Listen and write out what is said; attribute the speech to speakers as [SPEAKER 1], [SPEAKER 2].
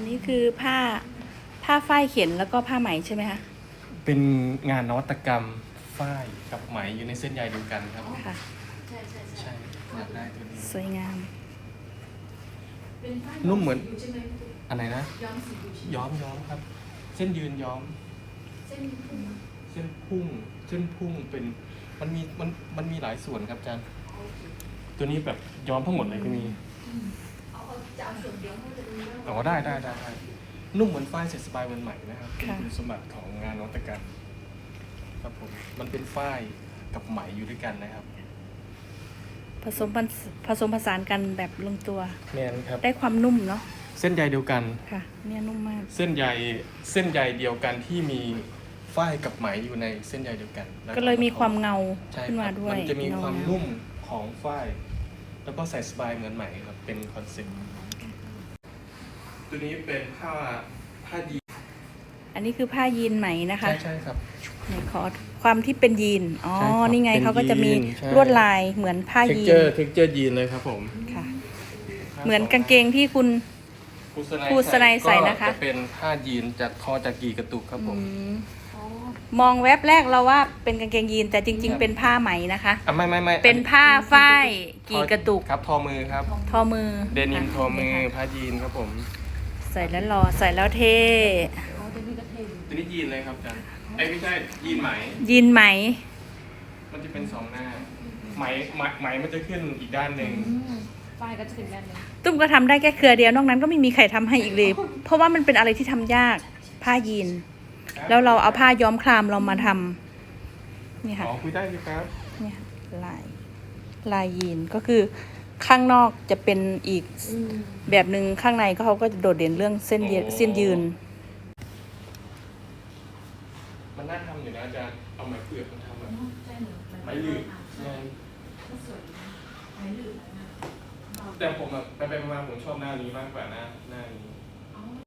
[SPEAKER 1] นี้คือผ้าฝ้ายเข็นแล้วก็ผ้าไหมใช่ไหมคะ
[SPEAKER 2] เป็นงานนวัตกรรมฝ้ายกับไหมอยู่ในเส้นใยเดียวกันครับ
[SPEAKER 1] ค่ะ
[SPEAKER 2] ใช่อยากได้ตัวนี้
[SPEAKER 1] สวยงาม
[SPEAKER 2] นุ่มเหมือนอันไหนนะ
[SPEAKER 3] ย้อมสีอยู่ใช่ไหม
[SPEAKER 2] ย้อมครับ เส้นยืนย้อม
[SPEAKER 3] เส้นพุ่ง
[SPEAKER 2] เส้นพุ่งเป็นมันมีหลายส่วนครับอาจารย์ตัวนี้แบบย้อมทั้งหมดเลยก็มี
[SPEAKER 3] เอาจะเอาส่วนเดียวให้จะดูว่า
[SPEAKER 2] อ๋อได้นุ่มเหมือนฝ้ายเสร็จสบายเหมือนใหม่นะครับเป็น
[SPEAKER 1] ค่ะ
[SPEAKER 2] คุณสมบัติของงานนวัตกรรมครับผมมันเป็นฝ้ายกับไหมอยู่ด้วยกันนะครับ
[SPEAKER 1] ผสมผสานกันแบบลงตัว
[SPEAKER 2] แมนครับ
[SPEAKER 1] ได้ความนุ่มเนาะ
[SPEAKER 2] เส้นใยเดียวกัน
[SPEAKER 1] ค่ะ เนี่ยนุ่มมาก
[SPEAKER 2] เส้นใยเดียวกันที่มีฝ้ายกับไหมอยู่ในเส้นใยเดียวกันแว
[SPEAKER 1] ก็เลยมีความเงา
[SPEAKER 2] ใช่
[SPEAKER 1] ขึ้น
[SPEAKER 2] ค
[SPEAKER 1] มา
[SPEAKER 2] รับ
[SPEAKER 1] ด้วย
[SPEAKER 2] มันจะมีความ
[SPEAKER 1] เงๆ
[SPEAKER 2] นุ่มของฝ้ายแล้วก็ใส่สบายเหมือนไหมครับเป็นคอนเซ็ปต์ตัวนี้เป็นผ้ายีน
[SPEAKER 1] อันนี้คือผ้ายีนไหมนะคะ
[SPEAKER 2] ใช่ครับ
[SPEAKER 1] ไหนขอความที่เป็นยีน อ๋อ
[SPEAKER 2] ใช่ครับ
[SPEAKER 1] นี่ไง
[SPEAKER 2] เป็น
[SPEAKER 1] เขาก็จะมี
[SPEAKER 2] ยีนใช่
[SPEAKER 1] ลวดลายเหมือนผ้า
[SPEAKER 2] เท็ก
[SPEAKER 1] ยี
[SPEAKER 2] เจ
[SPEAKER 1] น
[SPEAKER 2] อร์ยีนเลยครับผม
[SPEAKER 1] ค่ะ เหมือนกางเกงที่คุณ ครูสไนใส่นะคะ
[SPEAKER 2] ก็จะเป็นผ้ายีนจากทอจากกีกระตุกครับผม
[SPEAKER 3] อ๋อ
[SPEAKER 1] มองแวบแรกเราว่าเป็นกางเกงยีนแต่จริง ๆ เป็นผ้าไหมนะคะ
[SPEAKER 2] อ่ะไม่
[SPEAKER 1] เป็นผ้าฝ้ายกี่กระตุก
[SPEAKER 2] ครับทอมือครับ
[SPEAKER 1] ทอมือ
[SPEAKER 2] เดนิม
[SPEAKER 1] ค่ะ
[SPEAKER 2] ทอมือ
[SPEAKER 1] นี่ค่ะ
[SPEAKER 2] ผ้ายีนครับผม
[SPEAKER 1] ใส่แล้วหล่อใส่แล้วเท่
[SPEAKER 3] อ๋อตัวนี้ก็เท่อยู่
[SPEAKER 2] ตัวนี้ยีนเลยครับอาจารย์ไอ้ยไม่ใช่ยีนไหม
[SPEAKER 1] ยีนไหม
[SPEAKER 2] มันจะเป็นสองหน้าไหมมันจะขึ้นอีกด้านหนึ่ง
[SPEAKER 3] ฝ้ายก็จะเป็นแบบนี้
[SPEAKER 1] ตุ้มก็ทำได้แค่เครือเดียวนอกนั้นก็ไม่มีใครทำให้อีกเลย เพราะว่ามันเป็นอะไรที่ทำยากผ้ายีน แล้วเราเอาผ้าย้อมคลามเรามาทำนี่ค่ะ
[SPEAKER 2] อ๋อคุยได้สิครับ
[SPEAKER 1] เนี่ยลายยีนก็คือข้างนอกจะเป็นอีกแบบหนึ่งข้างในก็เขาก็จะโดดเด่นเรื่องเส้นยืน
[SPEAKER 2] มันน่าทำอยู่นะอาจารย์เอาไหมเปลือกมาทำแบบ
[SPEAKER 3] ใช่เหมือน
[SPEAKER 2] ไหมหลืด
[SPEAKER 3] ก็สวยนะไหมหลืดนะ
[SPEAKER 2] แต่ผมแบบไปมาผมชอบหน้านี้มากกว่าหน้านี้